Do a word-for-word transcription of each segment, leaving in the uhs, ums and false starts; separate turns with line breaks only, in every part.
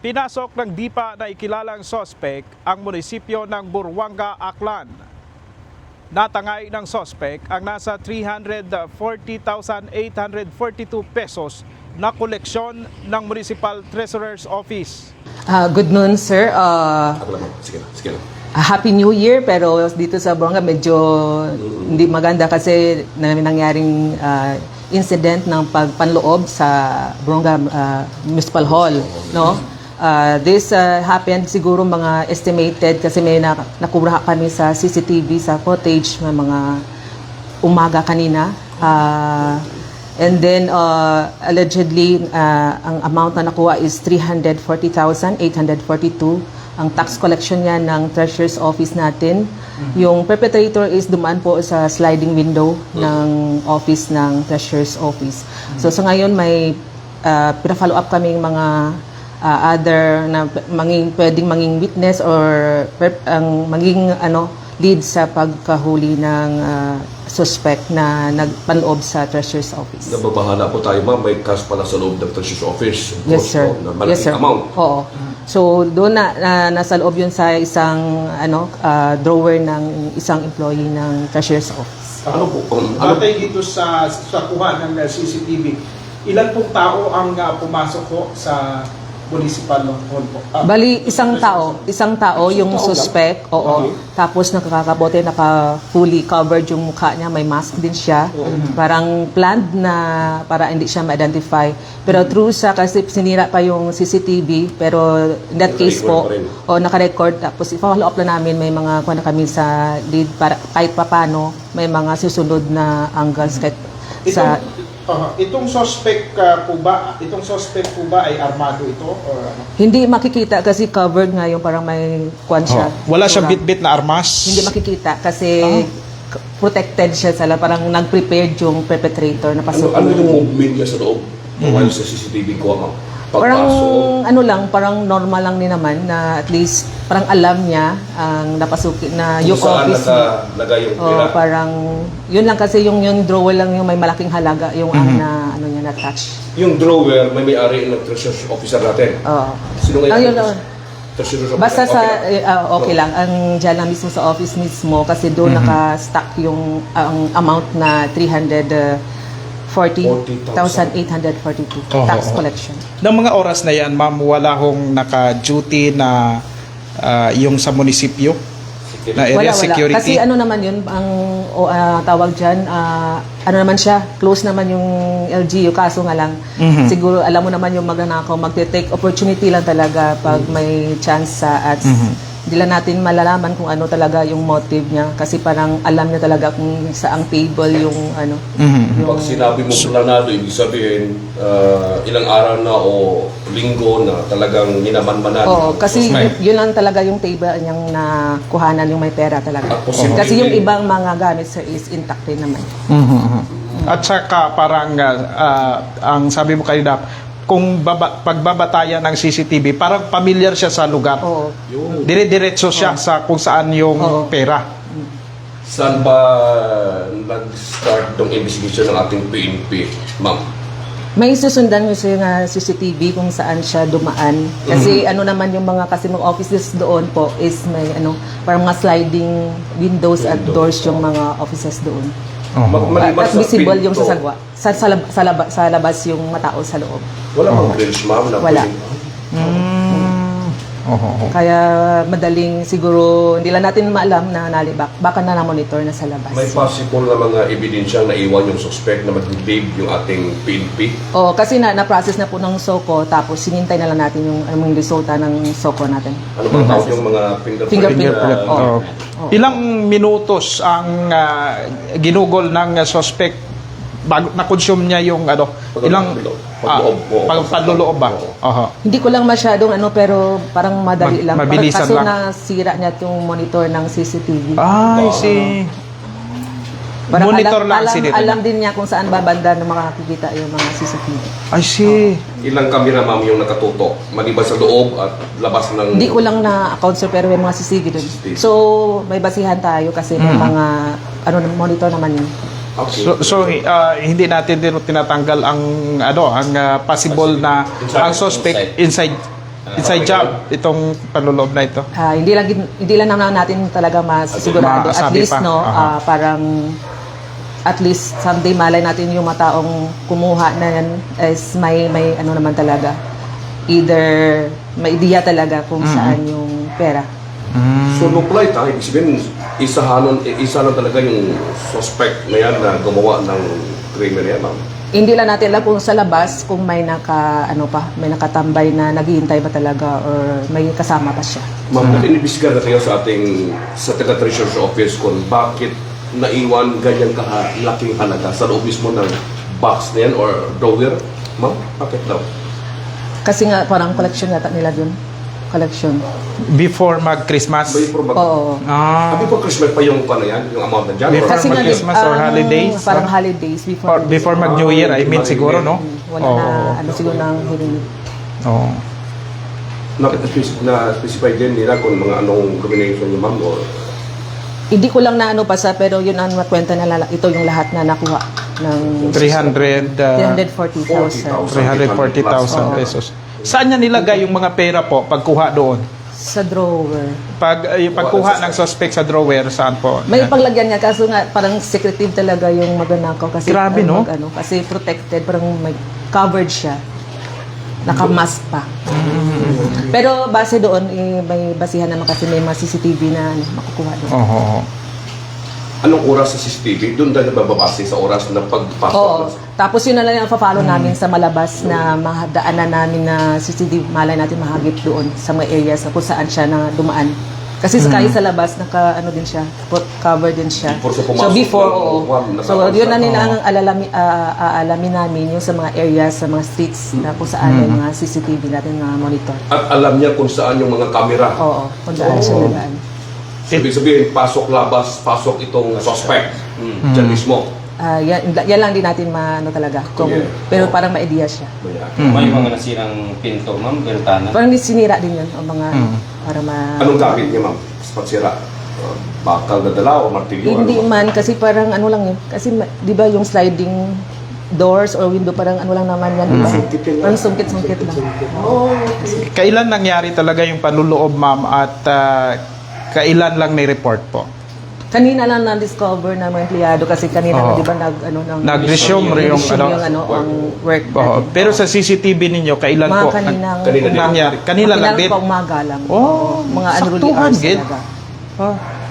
Pinasok ng di pa naikilalang sospek ang munisipyo ng Buruanga, Aklan. Natangay ng sospek ang nasa three hundred forty thousand eight hundred forty-two pesos na koleksyon ng Municipal Treasurer's Office.
Uh, good noon, sir. Uh,
Ako lang, sige lang, sige lang.
uh, Happy New Year, pero dito sa Buruanga medyo hindi maganda kasi na may nangyaring uh, incident ng pagpanloob sa Buruanga uh, Municipal Hall, no? Uh, this uh, happened siguro mga estimated kasi may na, nakura kami sa C C T V sa footage ng mga umaga kanina. Uh, and then uh, allegedly uh, ang amount na nakuha is three hundred forty thousand eight hundred forty-two. Ang tax collection niya ng Treasurer's Office natin. Mm-hmm. Yung perpetrator is dumaan po sa sliding window mm-hmm. ng office ng Treasurer's Office. Mm-hmm. So sa so ngayon may uh, pina-follow up kaming mga Uh, other na manging pwedeng manging witness or per, ang maging ano lead sa pagkahuli ng uh, suspect na nagpanloob sa Treasurer's Office.
Nababahala po tayo, ma'am. May cash pala sa loob ng Treasurer's Office.
Yes, sir.
No, na malaking
yes, sir.
amount.
Oo. So doon na, na nasa loob yun sa isang ano uh, drawer ng isang employee ng Treasurer's Office.
Ano po? Um, ano?
Batay dito sa, sa kuha ng C C T V, ilan pong tao ang uh, pumasok po sa municipal hall po? Ah,
Bali, isang tao. Isang tao, yung
tao
suspect.
lang?
Oo.
Okay.
Tapos nakakabote, naka-fully covered yung mukha niya. May mask din siya.
Mm-hmm.
Parang planned na para hindi siya ma-identify. Pero true sa, kasi sinira pa yung C C T V. Pero in that case po, o naka-record. Tapos i-follow up na namin, may mga kuha na kami sa lead. Para, kahit papano, may mga susunod na angles. Kahit sa,
Uh, itong suspect uh, po ba, itong suspect po ba ay armado ito or ano?
hindi makikita kasi covered nga yung parang may kwan siya.
Oh, wala siyang
Tura.
bit-bit na armas?
Hindi makikita kasi k- protected siya sa parang nag-prepared yung perpetrator na
Ano,
pasok.
ano yung movement niya sa loob? Mm-hmm. While sa C C T V ko, ma'am?
Parang
Pagpasok.
ano lang, parang normal lang din naman na at least parang alam niya ang napasukin na yung
Kung saan
office.
nakalagay yung pera.
Oh, parang yun lang kasi yung yung drawer lang yung may malaking halaga yung ang na ano niya na touch.
Yung drawer, may may-ari ng Treasurer's Officer natin.
Oo.
Sino
Ang
ngayon?
yun lang.
Treasurer's Officer.
Basta sa
Okay.
eh, ah, okay lang ang diyan lang mismo sa office mismo kasi doon naka-stack yung ang amount na three hundred forty thousand eight hundred forty-two
Oh,
tax
oh, oh.
collection.
Ng mga oras na yan, ma'am, wala hong naka-duty na uh, yung sa munisipyo? Na area
Wala, wala.
security?
Kasi ano naman yun, ang o, ah, tawag dyan, ah, ano naman siya, close naman yung L G U, kaso nga lang,
Mhm.
siguro alam mo naman yung magnanakaw, magte-take opportunity lang talaga pag may chance sa ads. Hindi lang natin malalaman kung ano talaga yung motive niya kasi parang alam niya talaga kung saang table yung ano.
Mhm.
Yung,
Pag sinabi mo planado, ibig sabihin, ah, ilang araw na o linggo na talagang minamanmanan.
Oo,
ang
kasi
suspect.
yun, yun lang talaga yung table niyang nakuhanan yung may pera talaga.
At posibleng-
Kasi yung ibang mga gamit sir is intact rin naman.
Mhm. At saka parang uh, uh, ang sabi mo kanina, kung baba, pagbabatayan ng C C T V, parang familiar siya sa lugar.
Oo.
Yun.
Dire-diretso siya sa kung saan yung
Oo.
pera.
Saan ba nag-start ng investigation ng ating P N P, ma'am?
May susundan kasi nga C C T V kung saan siya dumaan. Kasi ano naman yung mga kasi mga offices doon po is may ano, parang mga sliding windows at
Windows,
doors yung
oh.
mga offices doon.
Mag- maliban
At
sa
visible yung
pinto,
sa sagwa. Sa, sa, lab- sa, laba- sa labas yung matao sa loob.
Wala bang grills, ma'am? Na
Wala.
pwedeng-
Oh, oh, oh.
Kaya madaling siguro hindi lang natin maalam na nalibak. Baka na na-monitor na sa labas.
May possible na mga ebidensyang naiwan yung suspect na mag-babe yung ating P N P.
Oh, kasi na na-process na po ng SOCO tapos sinintay na lang natin yung ano yung resulta ng SOCO natin.
Ano bang tawag yung mga fingerprint?
Fingerprint.
na-
Oh.
Oh. Ilang minutos ang uh, ginugol ng uh, suspect bago na-consume niya yung ano,
Pag-
ilang ah,
pagloob, oo.
pag pagluloob ba?
Oo.
Aha.
Hindi ko lang masyadong ano pero parang madali
Ma-
lang.
mabilisan
Kaso
lang.
nasira niya yung monitor ng C C T V.
Ay, si
Parang
monitor
alam,
lang
alam,
si dito.
alam din niya kung saan babanda na makakikita yung mga C C T V.
I see.
Ilang kamera, ma'am, yung nakatutok? Maliban sa loob at labas ng...
Hindi ko lang na-account sir pero may mga C C T V doon.
C C T V.
So may basihan tayo kasi may
Mm.
mga ano monitor naman yun.
Okay.
So, so uh, hindi natin din tinatanggal ang ano, ang uh, possible na
Inside.
ang suspect inside Inside job, itong panluloob na ito.
Ah, hindi lang hindi lang naman natin talaga masisigurado, at
Masabi
least
pa.
no,
Aha.
ah, parang at least someday malay natin yung mga taong kumuha na yan is may may ano naman talaga, either may ideya talaga kung saan yung pera.
So, no flight, ha? Ibig sabihin, isa, hanon, isa lang talaga yung suspect na yan na gumawa ng krimen na yan, ma'am.
Hindi lang natin alam kung sa labas kung may naka ano pa, may nakatambay na naghihintay ba talaga or may kasama pa siya.
Ma'am, mm. inibisigan na kayo sa ating sa taga-treasurer's office kung bakit naiwan ganyan kalaking halaga sa loob mismo ng box na yan or drawer. Ma'am, bakit daw?
Kasi nga parang collection yata nila dun. Collection.
Before mag-Christmas.
Ba yung probag-
Oo.
Ah.
Sabi po, Christmas pa yung pa na yan, yung amount na dyan?
Before
Or-
Kasi nga,
mag-Christmas or
ah,
holidays?
Parang holidays before.
Or before mag-New Year, I mean, siguro, no?
Wala
Oo.
na, ano siguro nang hiling.
Oo.
na-specify na specify din nila kung mga anong combination yung ma'am or
Hindi ko lang na ano pa sa, pero yun ang makwenta na lala, ito yung lahat na nakuha ng
three hundred, uh,
three hundred forty thousand
three hundred forty thousand pesos. Saan niya nilagay yung mga pera po pagkuha doon?
sa drawer.
Pag uh, yung pagkuha ng suspect sa drawer, saan po?
May paglagyan nga, kaso nga parang secretive talaga yung magnanakaw kasi
Grabe,
ano,
no?
mag- ano, kasi protected, parang may covered siya. Naka-mask pa.
Mm-hmm.
Pero base doon, eh, may basihan naman kasi may mga C C T V na ano, makukuha doon.
Oo.
anong oras sa C C T V? Doon tayo bababase sa oras na pagpasok.
Oo.
ng-
Tapos yun na lang ang follow
Mm.
namin sa malabas na mahadaanan namin na C C T V, malay natin mahagip doon sa mga areas na kung saan siya na dumaan. Kasi sa
Mm.
kahit sa labas, naka ano din siya, put- cover din siya.
Before siya
So
pumasok
before,
ng-
oo.
Ma'am,
So
nakapansa.
yun na nila ang alalami, ah, aalamin namin yung sa mga areas, sa mga streets na kung saan may
Mm.
mga C C T V natin na monitor.
At alam niya kung saan yung mga kamera.
Oo, kung daan siya nagaan.
Ibig sabihin, pasok labas, pasok itong suspect. Mm. Diyan mismo.
Ah, yan, yan lang din natin maano talaga. Kung,
Yeah.
pero parang may idea siya.
Ayan.
May mga nasirang pinto, ma'am, bintana.
Parang sinira din yun, ang mga,
Mm.
para ma...
Anong gamit niya, ma'am? Sa pagsira? Uh, bakal na dala o martilyo?
Hindi
Ano?
man, kasi parang ano lang yun. Kasi ma- di ba yung sliding doors or window, parang ano lang naman yan, di ba?
Sungkit yan lang.
Parang sungkit-sungkit lang.
Kailan nangyari talaga yung panluloob, ma'am, at ah, kailan lang ni-report po?
Kanina lang na-discover ng mga empleyado kasi kanina
Oo.
na, di ba, nag, ano, nang,
Nag-resume rin yung
nag-resume
ano?
yung, ano, ang work
Oo.
natin.
Pero sa C C T V ninyo, kailan
mga
po?
kaninang,
Kanina din.
nangyari? Kanila lang din?
pa umaga lang.
Oh,
mga unruly
saktuhan,
hours
Gil.
talaga.
Ah.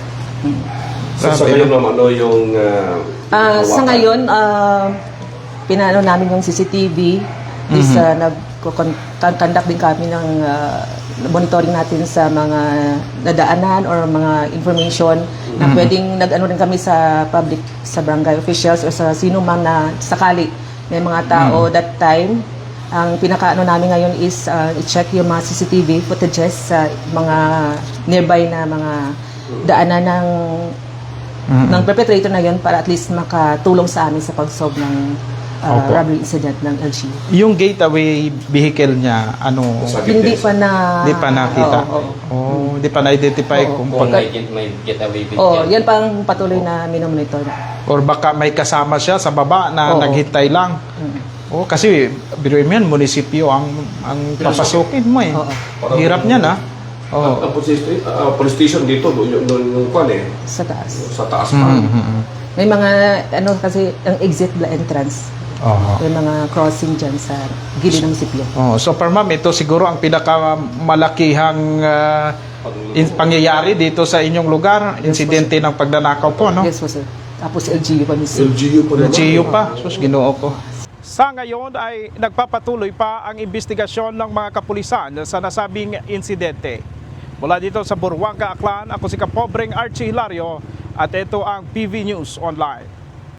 So, sa
Grabe,
ngayon, ma'am, ano yung... Uh,
Ah, sa
hawakan?
ngayon, ah, pinano namin yung C C T V. Is
Mhm.
uh, nag-conduct din kami ng ah, monitoring natin sa mga nadaanan or mga information na
Mhm.
pwedeng nag-ano rin kami sa public, sa barangay officials or sa sino man na sakali may mga tao that time. Ang pinakaano namin ngayon is ah, i-check yung mga C C T V footages sa mga nearby na mga daanan ng
Mhm.
ng perpetrator na yun para at least makatulong sa amin sa pag-solve ng uh,
Opo.
robbery incident ng L G U.
Yung gateway vehicle niya, ano,
Sa
Hindi
witness.
pa na...
di pa nakita?
Oo, oo.
Oh, di pa na-identify
Oo.
kung
Kung
pag,
may, get- may getaway vehicle.
Oh, yan pang patuloy na minomonitor.
or baka may kasama siya sa baba na
Oo.
naghintay lang.
Mm.
Oh, kasi biruin mo yan, munisipyo ang ang papasukin mo eh.
Oo.
Hirap niyan ah.
Ang
Oh.
ang police, station- ah, police station dito, doon yung, doon yung kwan eh,
Sa taas.
sa taas pa.
Mm-hmm.
May mga, ano kasi, ang exit la entrance.
Oh.
May mga crossing dyan sa gilid ng munisipyo.
Oh, so per ma'am, ito siguro ang pinakamalakihang ah, in- pangyayari dito sa inyong lugar, insidente ng pagnanakaw po, no?
Yes po, sir. Tapos L G U pa mismo.
L G U pa naman.
G U pa, sus ginoo ko.
Sa ngayon ay nagpapatuloy pa ang investigasyon ng mga kapulisan sa nasabing insidente. Mula dito sa Buruanga, Aklan, ako si Kapobreng Archie Hilario at ito ang P V News Online.